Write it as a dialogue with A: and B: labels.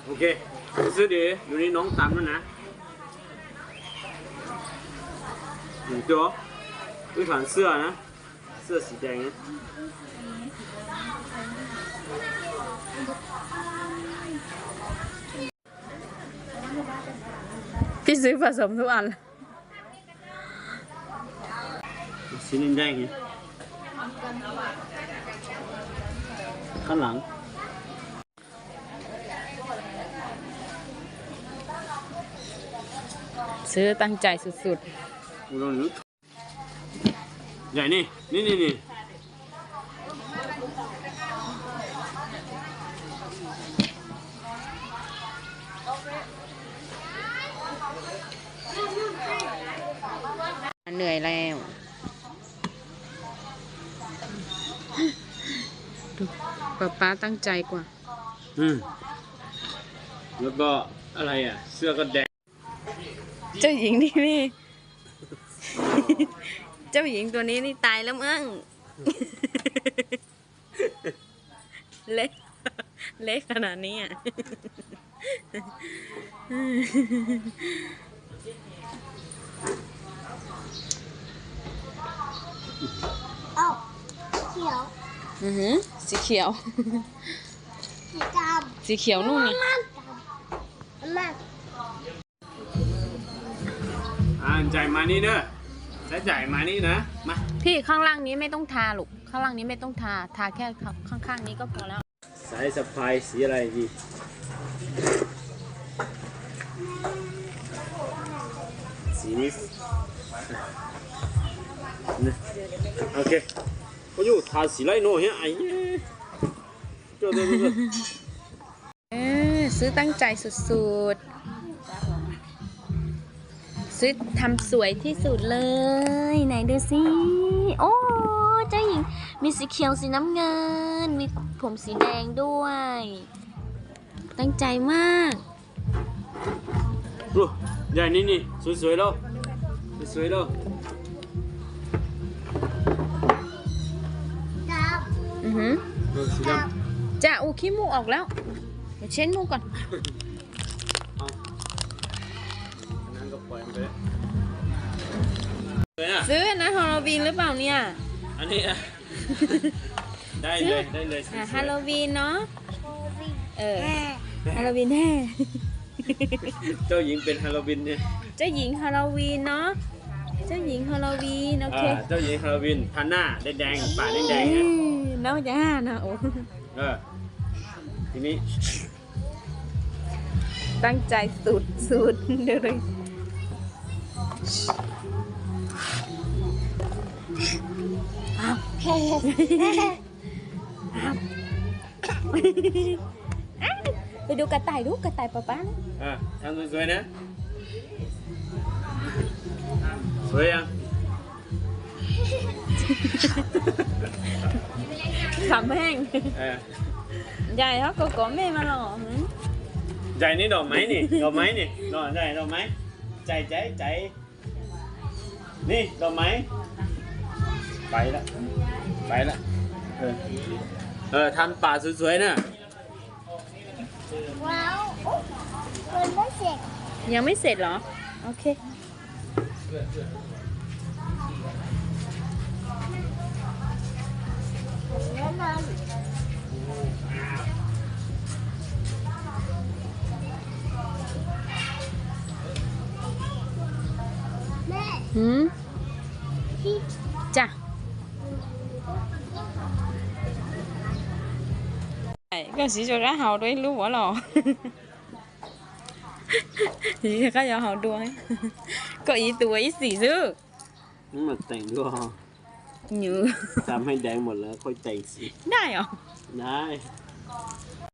A: โอเคซื้อดีอยู่นี่น้องตามแล้วนะตัวด้วย款เสื้อนะเสื้อสีแดงนะ
B: พี่ซื้อผสมทุกอัน
A: สีแดงไงข้างหลัง
B: ซื้อตั้งใจสุด
A: ๆใหญ่นี่
B: เหนื่อยแล้วดูป๊าตั้งใจกว่า
A: แล้วก็อะไรอ่ะเสื้อก็แดง
B: เจ้าหญิงนี่ เจ้าหญิงตัวนี้นี่ตายแล้วมั้ง เล็กขนาดนี้อ่ะ
C: เอ้าเขียว
B: สีเขียว
C: สีดำ
B: สีเขียวนู่นนี่
A: จ่ายมานี่เนอะแล้วจ่ายมานี่นะมา
B: พี่ข้างล่างนี้ไม่ต้องทาลูกข้างล่างนี้ไม่ต้องทาแค่ข้างๆนี้ก็พอแล้ว
A: สายสะพายสีอะไรดีสีนี้โอเค我又ทาสีไรโน่เฮ้ยไอ้เจ้า
B: ซื้อตั้งใจสุดๆซื้อทำสวยที่สุดเลยไหนดูสิโอ้เจ้าหญิงมีสีเขียวสีน้ำเงินมีผมสีแดงด้วยตั้งใจมาก
A: ดูใหญ่นี่สวยๆแล้วสวยๆแล้วสีด
B: ำจะอูขี้มูกออกแล้วเดี๋ยวเช็ดมูกก่อนซื้อนะฮาโลวีนหรือเปล่าเนี่ย
A: อันนี้นะได้เลย
B: ฮาโลวีนเนาะฮาโลวีนแน่
A: เจ้าหญิงเป็นฮาโลวีนเนี่ย
B: เจ้าหญิงฮาโลวีนเนาะเจ้าหญิงฮาโลวีนโอเค
A: เจ้าหญิงฮาโลวีนทาหน้าแดงปากแดงเนี่ย
B: น้องจะห้านะโอ้
A: ทีนี้
B: ตั้งใจสุดเลยไปดูกระต่ายป๊า
A: ทำสวยๆนะสวยยัง
B: ขำแห้งใหญ่เขาก็แม่มาหรอ
A: ใจนี่ดอกไม้นี่ดอกไม้นี่ดอกใจดอกไม้ใจนี่ดอกไม้ไปละทำป่าสวยๆนะ
C: ว้าวมันไม่เสร็จ
B: ยังไม่เสร็จเหรอโอเค
C: แล้วนอนแม่
B: จ้ะก็洗咗間校隊撈我咯，而家有校隊，個耳朵意思啫。
A: นี่มันแต่งด้วยจำให้แดงหมดแล้วค่อยแต่งสี
B: ได้เหรอ
A: ได้